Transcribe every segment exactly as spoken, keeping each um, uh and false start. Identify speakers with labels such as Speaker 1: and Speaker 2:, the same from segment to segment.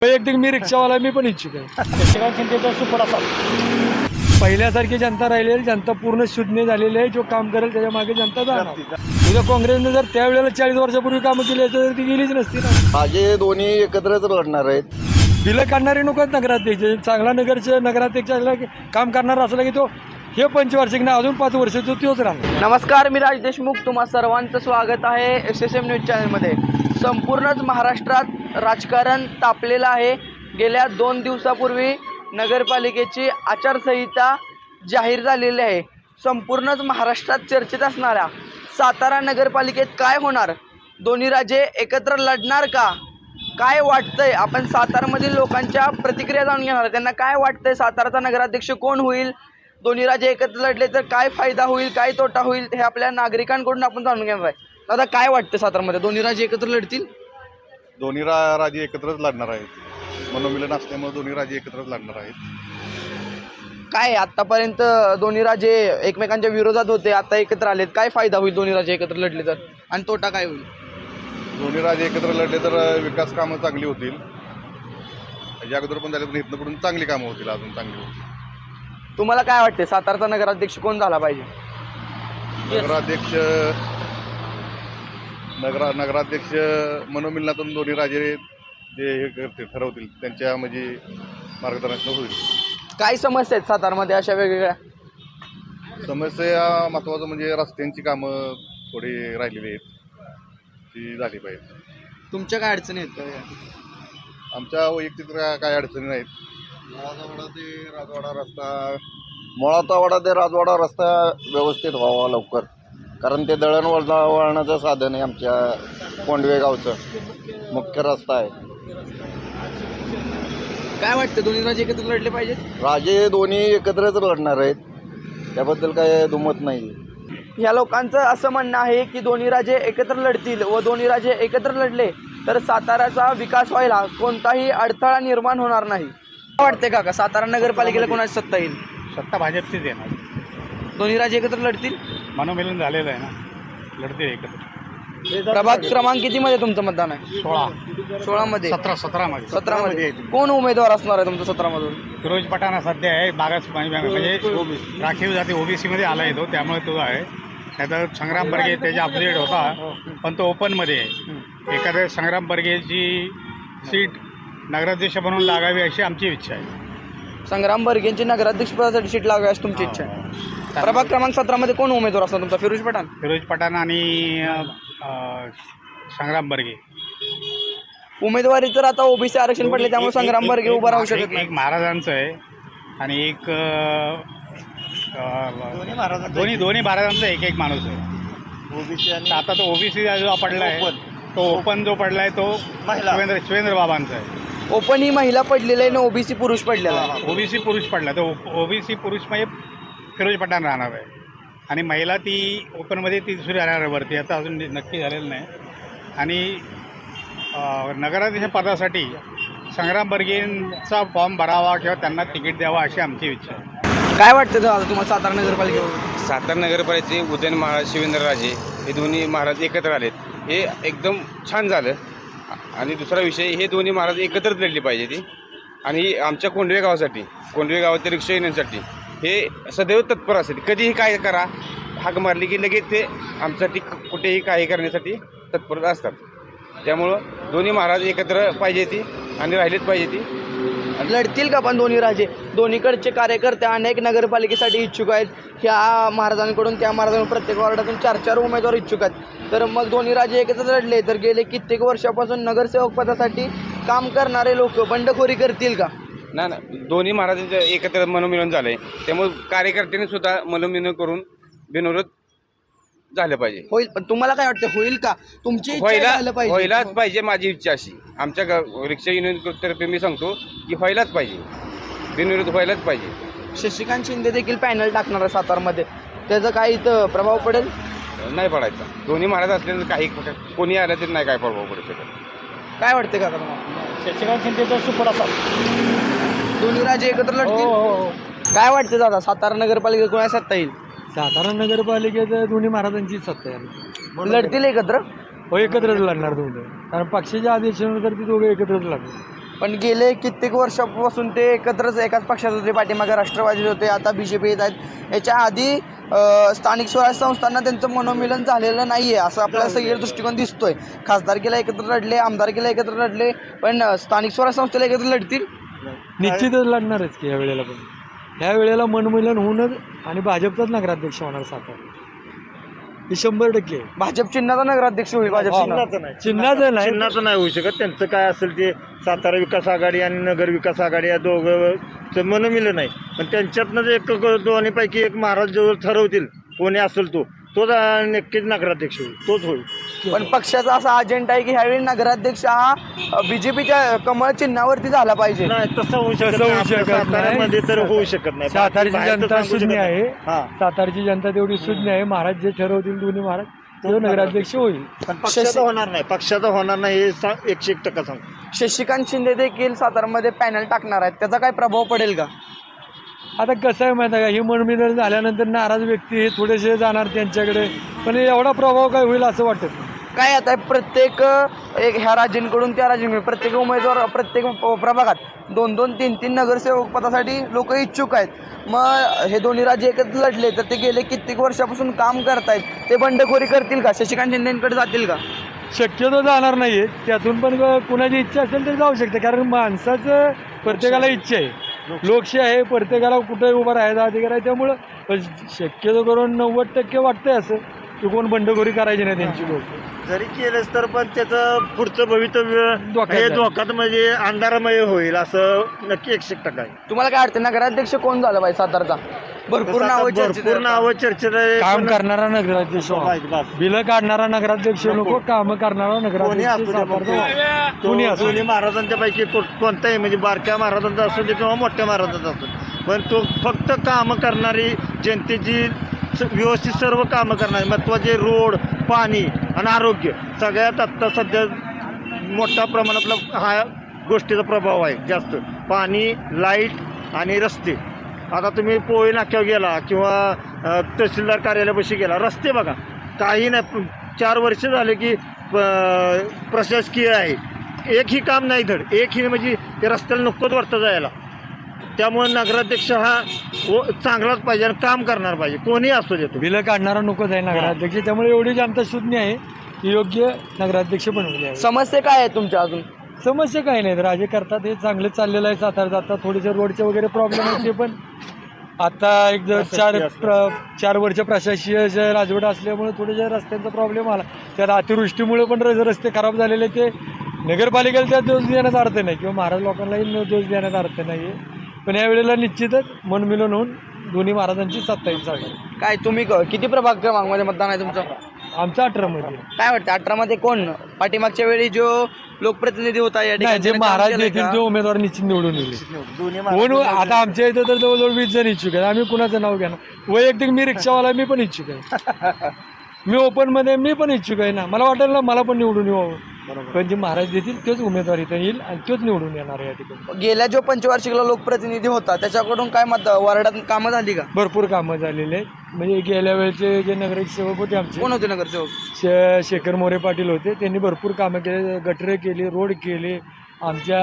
Speaker 1: वैयक्तिक मी रिक्षावाला मी पण इच्छुक आहे.
Speaker 2: शशिकांत शिंदेचा सुपर असा
Speaker 1: पहिल्यासारखी जनता राहिलेली, जनता पूर्ण शून्य झालेली आहे. जो काम करेल त्याच्या मागे जनता जाणार. उद्या काँग्रेसने जर त्यावेळेला चाळीस वर्षापूर्वी कामं केली असती तर ती गेलीच नसती ना.
Speaker 3: माझे दोन्ही एकत्रच लढणार आहेत.
Speaker 1: बिलं काढणारे नको आहेत नगराध्यक्ष. चांगला नगरचे नगराध्यक्षाला काम करणारा असला की तो हे पंचवार्षिक ना अजून पाच वर्ष तो तोच राहणार.
Speaker 4: नमस्कार, मी राज देशमुख. तुम्हा सर्वांचं स्वागत आहे एस एस एम न्यूज चॅनलमध्ये. संपूर्णच महाराष्ट्रात राजकारण तापलेलं आहे. गेल्या दोन दिवसापूर्वी नगरपालिकेची आचारसंहिता जाहीर झालेली आहे. संपूर्णच महाराष्ट्रात चर्चेत असणाऱ्या सातारा नगरपालिकेत काय होणार, दोन्ही राजे एकत्र लढणार का, काय वाटतंय, आपण सातारामधील लोकांच्या प्रतिक्रिया जाणून घेणार. त्यांना काय वाटतंय, साताराचा नगराध्यक्ष कोण होईल, दोन्ही राजे एकत्र लढले तर काय फायदा होईल, काय तोटा होईल, हे आपल्या नागरिकांकडून आपण जाणून घेणार आहे. दादा, काय वाटतं सातारामध्ये दोन्ही राजे एकत्र लढतील?
Speaker 5: दोन्ही रा राजे एकत्रच लढणार आहेत. मनोमिलन असल्यामुळे दोन्ही राजे एकत्रच लढणार आहेत.
Speaker 4: काय आतापर्यंत दोन्ही राजे एकमेकांच्या विरोधात होते, आता एकत्र आलेत, काय फायदा होईल दोन्ही राजे एकत्र लढले तर, आणि तोटा काय होईल?
Speaker 5: दोन्ही राजे एकत्र लढले तर विकास कामं चांगली होतील. या अगोदर पण झाले, पण इथनं पुढून चांगली कामं होतील, अजून चांगली होतील.
Speaker 4: तुम्हाला काय वाटते, सातारचा नगराध्यक्ष कोण झाला पाहिजे?
Speaker 5: नगराध्यक्ष नगरा नगराध्यक्ष मनोमिलनातून दोन्ही राजे जे हे करतील, ठरवतील, त्यांच्या म्हणजे मार्गदर्शन होईल.
Speaker 4: काय समस्या आहेत सातारमध्ये अशा वेगवेगळ्या?
Speaker 5: समस्या महत्त्वाचं म्हणजे रस्त्यांची कामं थोडी राहिलेली आहेत, ती झाली पाहिजे.
Speaker 4: तुमच्या काय अडचणी आहेत का?
Speaker 5: आमच्या वैयक्तिक काय अडचणी नाहीत.
Speaker 3: मुळातावाडा ते राजवाडा रस्ता मुळातावाडा ते राजवाडा रस्ता व्यवस्थित व्हावा लवकर, कारण ते दळण वळणा वळणाचं साधन आहे. आमच्या कोंडवे गावचं मुख्य रस्ता आहे.
Speaker 4: काय वाटतं, दोन्ही राजे एकत्र लढले पाहिजेत?
Speaker 3: राजे दोन्ही एकत्रच लढणार आहेत, त्याबद्दल काय दुमत नाही.
Speaker 4: या लोकांचं असं म्हणणं आहे की दोन्ही राजे एकत्र लढतील व दोन्ही राजे एकत्र लढले तर साताराचा विकास व्हायला कोणताही अडथळा निर्माण होणार नाही. काय वाटते काका, सातारा नगरपालिकेला कोणाची सत्ता येईल?
Speaker 2: सत्ता भाजपचीच येणार.
Speaker 4: दोन्ही राजे एकत्र लढतील?
Speaker 2: मनोमिलन झालेलं आहे ना, लढतील एकत्र.
Speaker 4: प्रभाग क्रमांक किती मध्ये तुमचं मतदान आहे?
Speaker 2: सोळा
Speaker 4: सोळा मध्ये
Speaker 2: सतरा सतरा मध्ये
Speaker 4: सतरा मध्ये कोण उमेदवार असणार आहे तुमचं सतरा मधून?
Speaker 2: फिरोज पठाण सध्या आहे, बागास म्हणजे राखीव जाती ओबीसी मध्ये आला येतो, त्यामुळे तो आहे. त्याचा संग्राम बर्गे त्याच्या अपडेट होता, पण तो ओपनमध्ये आहे. एखाद्या संग्राम बर्गेची सीट नगराध्यक्ष बनवून लागावी अशी आमची इच्छा आहे.
Speaker 4: संग्राम बर्गेंची नगराध्यक्ष पदासाठी सीट लागावी अशी तुमची इच्छा आहे. प्रभाग क्रमांक सतरा मध्ये कोण उमेदवार असणार तुमचा? फिरोज पठाण
Speaker 2: फिरोज पठाण आणि संग्राम बर्गे.
Speaker 4: उमेदवारी तर आता ओबीसी आरक्षण पडले, त्यामुळे संग्राम बर्गे उभा राहू शकत नाही.
Speaker 2: एक महाराजांचं आहे आणि एक दोन्ही दोन्ही महाराजांचा एक एक माणूस आहे. ओबीसी आणि आता तो ओबीसी जो पडला आहे, तो ओपन जो पडला आहे तो शिवेंद्र शिवेंद्र बाबांचा आहे.
Speaker 4: ओपन ही महिला पडलेली आहे ना, ओबीसी पुरुष पडलेला आहे.
Speaker 2: ओबीसी पुरुष पडला, तो ओबीसी पुरुष म्हणजे फिरोज पठाण राहणार आहे, आणि महिला ती ओपनमध्ये ती दुसरी राहणार वरती, आता अजून नक्की झालेलं नाही. आणि नगराध्यक्ष पदासाठी संग्राम बर्गेंचा फॉर्म भरावा किंवा त्यांना तिकीट द्यावा अशी आमची इच्छा आहे.
Speaker 4: काय वाटतं दादा तुम्हाला सातारा नगरपालिकेवर?
Speaker 6: सातारा नगरपालिकेचे उदयन महाराज, शिवेंद्रराजे हे दोन्ही महाराज एकत्र आलेत, हे एकदम छान झालं. आणि दुसरा विषय, हे दोन्ही महाराज एकत्रच लढले पाहिजे ती. आणि आमच्या कोंडवे गावासाठी, कोंडवे गावातील रिक्षा येण्यासाठी हे सदैव तत्पर असतात. कधीही काय करा, हाक मारली की लगेच ते आमच्यासाठी कुठेही काही करण्यासाठी तत्पर असतात. त्यामुळं दोन्ही महाराज एकत्र पाहिजे ती आणि राहिलेच पाहिजे ती.
Speaker 4: लढतील का पण दोन्ही राजे? दोन्हीकडचे कार्यकर्ते अनेक नगरपालिकेसाठी इच्छुक आहेत. ह्या महाराजांकडून त्या महाराजांकडून प्रत्येक वार्डातून चार चार उमेदवार इच्छुक आहेत. तर मग दोन्ही राजे एकत्र लढले तर गेले कित्येक वर्षापासून नगरसेवक पदासाठी काम करणारे लोक बंडखोरी करतील का?
Speaker 6: ना ना दोन्ही महाराजांचं एकत्र मनोमिलन झालं आहे, त्यामुळे कार्यकर्त्यांनी सुद्धा मनोमिलन करून बिनविरोध झालं पाहिजे.
Speaker 4: होईल, पण तुम्हाला काय वाटतं, होईल का? तुमची इच्छा
Speaker 6: व्हायला
Speaker 4: झालं पाहिजे.
Speaker 6: व्हायलाच पाहिजे, माझी इच्छा अशी. आमच्या गाव रिक्षा युनियनतर्फे मी सांगतो की व्हायलाच पाहिजे, बिनविरोध व्हायलाच पाहिजे.
Speaker 4: शशिकांत शिंदे देखील पॅनल टाकणार आहे सातारमध्ये, त्याचा काय इथं प्रभाव पडेल?
Speaker 6: नाही पडायचा. दोन्ही महाराज असल्यानं काही कोणी आलं तरी नाही काय प्रभाव पडू शकत.
Speaker 4: काय वाटते का तुम्हाला?
Speaker 2: शशिकांत शिंदेचा सुपर असा
Speaker 4: दोन्ही राजे एकत्र लढतील? काय वाटते दादा, सातारा नगरपालिका कोणा सत्ता येईल?
Speaker 1: सातारा नगरपालिकेत दोन्ही महाराजांची सत्ता आहे.
Speaker 4: लढतील एकत्र?
Speaker 1: हो, एकत्रच लढणार दोघं, कारण पक्षाच्या आदेशानुसार ती दोघं एकत्रच लढणार.
Speaker 4: पण गेले कित्येक वर्षापासून ते एकत्रच एकाच पक्षात होते, पाठीमागे राष्ट्रवादी होते, आता बी जे पी येत आहेत. याच्या आधी अ, स्थानिक स्वराज्य संस्थांना त्यांचं मनोमिलन झालेलं नाही आहे असं आपल्याला सगळं दृष्टिकोन दिसतोय. खासदारकीला एकत्र लढले, आमदारकीला एकत्र लढले, पण अ, स्थानिक स्वराज्य संस्थेला एकत्र लढतील.
Speaker 1: निश्चितच लढणारच की या वेळेला पण ह्या वेळेला मनमिलन होऊनच आणि भाजपचाच नगराध्यक्ष होणार सातारा हे शंभर टक्के आहे.
Speaker 4: भाजप चिन्हाचा नगराध्यक्ष होईल. भाजप चिन्ह
Speaker 1: चिन्हाचं नाही
Speaker 7: चिन्हाचं नाही होऊ शकत. त्यांचं काय असेल ते सातारा विकास आघाडी आणि नगर विकास आघाडी या दोघं मनमिलं नाही, पण त्यांच्यातनं जे एक दोन्हीपैकी एक महाराज जो ठरवतील कोणी असेल तो तोच नक्कीच नगराध्यक्ष होईल, तोच होईल.
Speaker 4: पण पक्षाचा असा अजेंडा आहे की ह्यावेळी नगराध्यक्ष हा बीजेपीच्या कमळ चिन्हावरती झाला पाहिजे.
Speaker 7: नाही तसं होऊ शकत
Speaker 1: तसं होऊ
Speaker 7: नाही.
Speaker 1: शकत
Speaker 7: आपल्या साताऱ्यामध्ये तर
Speaker 1: नाही.
Speaker 7: होऊ शकत नाही.
Speaker 1: सातारची
Speaker 7: बाहेर तर
Speaker 1: जनता
Speaker 7: सांगू शकत
Speaker 1: शून्य
Speaker 7: नाही.
Speaker 1: आहे.
Speaker 7: हा.
Speaker 1: सातारची जनता तेवढी शून्य आहे. महाराज जे ठरवतील दोन्ही महाराज तो नगराध्यक्ष होईल.
Speaker 7: पण पक्षाचं होणार नाही, पक्षाचं होणार नाही हे सा- एकशे एक टक्का सांगतो.
Speaker 4: शशिकांत शिंदे देखील सातारामध्ये पॅनल टाकणार आहेत, त्याचा काय प्रभाव पडेल का?
Speaker 1: आता कसं आहे माहिती आहे का, ही मनमिलन झाल्यानंतर नाराज व्यक्ती हे थोडेसे जाणार त्यांच्याकडे, पण एवढा प्रभाव काय होईल असं वाटत नाही.
Speaker 4: काय आता प्रत्येक एक ह्या राज्यांकडून त्या राज्यांकडे प्रत्येक उमेदवार प्रत्येक प्रभागात दोन दोन तीन तीन नगरसेवक पदासाठी लोक इच्छुक आहेत. मग हे दोन्ही राज्य एकत्र लढले तर ते गेले कित्येक वर्षापासून काम करतायत, ते बंडखोरी करतील का? शशिकांत शिंदेकडे जातील का?
Speaker 1: शक्यतो जाणार नाही आहे. त्यातून पण कुणाची इच्छा असेल तर जाऊ शकते, कारण माणसाचं प्रत्येकाला इच्छा आहे, लोकशाही आहे, प्रत्येकाला कुठे उभं राहायचा अधिकार आहे. त्यामुळं पण शक्यतो करून नव्वद टक्के वाटतंय असं की कोण बंडखोरी करायची नाही त्यांची लोक.
Speaker 7: जरी केलंच तर पण त्याचं पुढचं भवितव्य
Speaker 1: धोक्यात
Speaker 7: हे
Speaker 1: जाईल.
Speaker 7: धोक्यात म्हणजे अंधारमय होईल असं नक्की एकशे एक टक्का आहे.
Speaker 4: तुम्हाला काय वाटतं नगराध्यक्ष कोण झाला पाहिजे सातारचा? भरपूर नावं चर्चेत
Speaker 7: भरपूर
Speaker 4: आहेत.
Speaker 7: नावं चर्चेत आहे.
Speaker 1: काम
Speaker 7: पण
Speaker 1: करणारा नगराध्यक्ष व्हा. बिलं काढणारा नगराध्यक्ष नको, काम करणारा
Speaker 7: कोणी
Speaker 1: नगराध्यक्ष
Speaker 7: असू दे,
Speaker 1: सातारचा व्हा.
Speaker 7: तो
Speaker 1: कोणी असू
Speaker 7: दोन्ही
Speaker 1: दे.
Speaker 7: महाराजांच्या पैकी को- कोणताही म्हणजे बारक्या महाराजांचा असू दे किंवा मोठ्या महाराजांचा असू दे, पण तो फक्त कामं करणारी जनतेची स- व्यवस्थित सर्व कामं करणारी महत्त्वाचे रोड, पाणी आणि आरोग्य सगळ्यात आत्ता सध्या मोठ्या प्रमाणातला हा गोष्टीचा प्रभाव आहे जास्त. पाणी, लाईट आणि रस्ते. आता तुम्ही पोळी नाक्यावर गेला किंवा अ, तहसीलदार कार्यालयापाशी गेला, रस्ते बघा काही नाही. चार वर्ष झाले की अ, प्रशासकीय आहे, एकही काम नाही धड, एकही म्हणजे ते रस्त्याला नकोच वाटतं जायला. त्यामुळे नगराध्यक्ष हा व- चांगलाच पाहिजे आणि काम करणार पाहिजे, कोणीही असू देतो.
Speaker 1: बिलं काढणारा नकोच आहे नगराध्यक्ष. त्यामुळे एवढी जनता शून्य आहे की योग्य नगराध्यक्ष बनवले आहे.
Speaker 4: समस्या काय आहे तुमच्या अजून?
Speaker 1: समस्या काही नाहीत, राजे करतात, हे चांगलं चाललेलं आहे. सातारा आता थोडेसे रोडचे वगैरे प्रॉब्लेम आहेत, ते पण आता एक जर चार प्र चार वर्ष प्रशासकीय राजवट असल्यामुळे थोडेसे रस्त्यांचा प्रॉब्लेम आला. त्यात अतिवृष्टीमुळे पण रस- रस्ते खराब झालेले, ते नगरपालिकेला त्यात दोष देण्याचा अर्थ नाही किंवा महाराज लोकांनाही न दोष देण्याचा अर्थ नाही आहे. पण यावेळेला निश्चितच मनमिलन होऊन दोन्ही महाराजांची सत्ता येईल सातारा.
Speaker 4: काय तुम्ही क- किती प्रभाग क्रमांकमध्ये मतदान आहे तुमचं?
Speaker 1: आमचा अठरामध्ये
Speaker 4: काय वाटतं अठरामध्ये कोण पाठीमागच्या वेळी जो लोकप्रतिनिधी होता या
Speaker 1: नाही,
Speaker 4: ठिकाणी
Speaker 1: जे
Speaker 4: त्याने काम
Speaker 1: महाराज
Speaker 4: केलंय
Speaker 1: देतील
Speaker 4: का?
Speaker 1: ते उमेदवार निश्चित निवडून येईल.
Speaker 7: दोन्ही
Speaker 1: कोण आता आमच्या इथं तर जवळजवळ वीस जण इच्छुक आहेत. आम्ही कुणाचं नाव घेणार? वैयक्तिक मी रिक्षावाला, मी पण इच्छुक आहे. मी ओपनमध्ये मी पण इच्छुक आहे ना. मला वाटेल ना मला पण निवडून यावं, पण जे महाराज देतील तेच उमेदवार इथं येईल आणि तोच निवडून येणार आहे या ठिकाणी.
Speaker 4: गेल्या जो पंचवार्षिकला लोकप्रतिनिधी होता त्याच्याकडून काय मत वार्डात कामं झाली का?
Speaker 1: भरपूर कामं झालेले आहेत. म्हणजे गेल्या वेळचे जे नगरसेवक होते आमचे
Speaker 4: कोण होते नगरसेवक?
Speaker 1: शे शेखर मोरे पाटील होते, त्यांनी भरपूर कामं केले, गटरे केली, रोड केले, आमच्या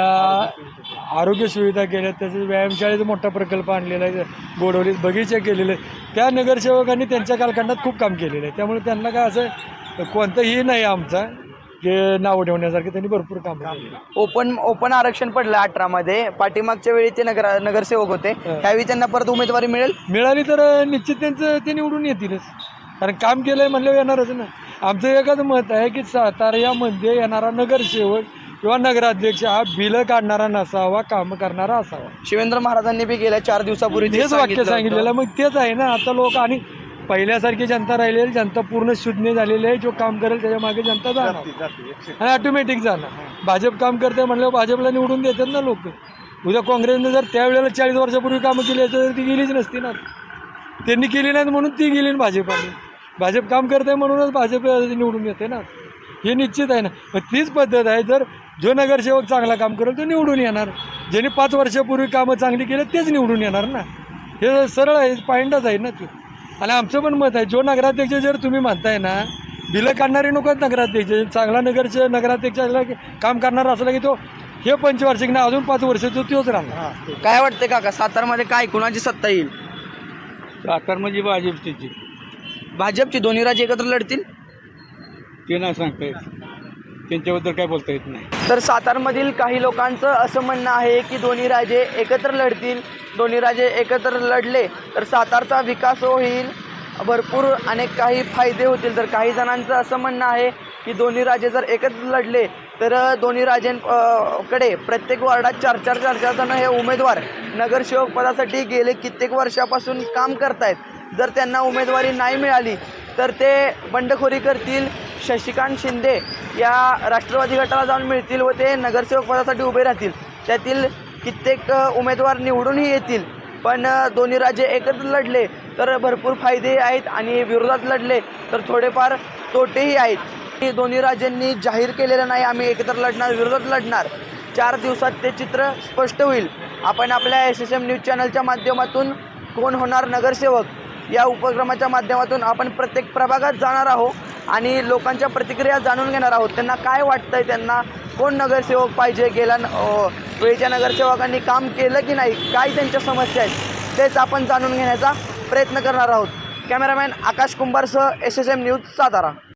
Speaker 1: आरोग्य सुविधा केल्या. तसेच व्यायामशाळेचा मोठा प्रकल्प आणलेला आहे, गोडवलीत बगीचे केलेले. त्या नगरसेवकांनी त्यांच्या कालखंडात खूप काम केलेलं आहे. त्यामुळे त्यांना काय असं कोणतंही नाही आमचा की नाव ठेवण्यासारखं, त्यांनी भरपूर काम केले.
Speaker 4: ओपन ओपन आरक्षण पडलं अठरामध्ये. पाठीमागच्या वेळी ते नगर नगरसेवक होते, त्यावेळी त्यांना परत उमेदवारी मिळेल?
Speaker 1: मिळाली तर निश्चित त्यांचं ते निवडून येतीलच, कारण काम केलं आहे म्हणल्यावर येणारच ना. आमचं एकच मत आहे की साताऱ्यामध्ये येणारा नगरसेवक किंवा नगराध्यक्ष हा बिलं काढणारा नसावा, काम करणारा असावा.
Speaker 4: शिवेंद्र महाराजांनी बी गेल्या चार दिवसापूर्वी
Speaker 1: तेच वाक्य सांगितलेलं.
Speaker 4: होतं.
Speaker 1: मग तेच आहे ना आता लोक. आणि पहिल्यासारखी जनता राहिलेली, जनता पूर्ण शून्य झालेली आहे. जो काम करेल त्याच्या मागे जनता जाणार आणि ऑटोमॅटिक जाणार. भाजप काम करते म्हणल्यावर भाजपला निवडून देतात ना लोक. उद्या काँग्रेसने जर त्यावेळेला चाळीस वर्षापूर्वी कामं केली असती तर ती गेलीच नसती ना. त्यांनी केली नाहीत म्हणून ती गेली ना भाजपाने. भाजप काम करते म्हणूनच भाजप निवडून येते ना, हे निश्चित आहे ना. मग तीच पद्धत आहे, जर जो नगरसेवक चांगला काम करेल तो निवडून येणार. ज्यांनी पाच वर्षापूर्वी कामं चांगली केली तेच निवडून येणार ना. हे सरळ आहे, पॉईंटच आहे ना ते. आणि आमचं पण मत आहे, जो नगराध्यक्ष जर तुम्ही म्हणताय ना बिलं काढणारे नको आहेत नगराध्यक्ष, चांगला नगरचे नगराध्यक्ष असला की काम करणारा असला की तो हे पंचवार्षिक ना अजून पाच वर्ष तो तोच राहणार.
Speaker 4: काय वाटते काका सातारमध्ये काय कुणाची सत्ता येईल?
Speaker 2: सातार म्हणजे भाजपची
Speaker 4: भाजपची दोन्ही राज्य एकत्र लढतील?
Speaker 2: ते नाही सांगता येत, त्यांच्याबद्दल काय बोलता येत नाही.
Speaker 4: तर सातारमधील काही लोकांचं असं म्हणणं आहे की दोन्ही राजे एकत्र लढतील. दोन्ही राजे एकत्र लढले तर सातारचा विकास होईल, भरपूर अनेक काही फायदे होतील. तर काही जणांचं असं म्हणणं आहे की दोन्ही राजे जर एकत्र लढले तर दोन्ही राजेंकडे प्रत्येक वार्डात चार चार चार चार जण हे उमेदवार नगरसेवक पदासाठी गेले कित्येक वर्षापासून काम करतायत. जर त्यांना उमेदवारी नाही मिळाली तर ते बंडखोरी करतील, शशिकांत शिंदे या राष्ट्रवादी गटाला जाऊन मिळतील व ते नगरसेवक पदासाठी उभे राहतील. त्यातील कित्येक उमेदवार निवडूनही येतील. पण दोन्ही राज्ये एकत्र लढले तर भरपूर फायदे आहेत आणि विरोधात लढले तर थोडेफार तोटेही आहेत. दोन्ही राज्यांनी जाहीर केलेलं नाही आम्ही एकत्र लढणार विरोधात लढणार. चार दिवसात ते चित्र स्पष्ट होईल. आपण आपल्या एस एस एम न्यूज चॅनलच्या माध्यमातून कोण होणार नगरसेवक या उपक्रमाच्या माध्यमातून आपण प्रत्येक प्रभागात जाणार आहोत आणि लोकांच्या प्रतिक्रिया जाणून घेणार आहोत. त्यांना काय वाटतंय, त्यांना कोण नगरसेवक पाहिजे, गेल्या वेळच्या नगरसेवकांनी काम केलं की नाही, काय त्यांच्या समस्या आहेत तेच आपण जाणून घेण्याचा प्रयत्न करणार आहोत. कॅमेरामॅन आकाश कुंभारसह S S M news Satara.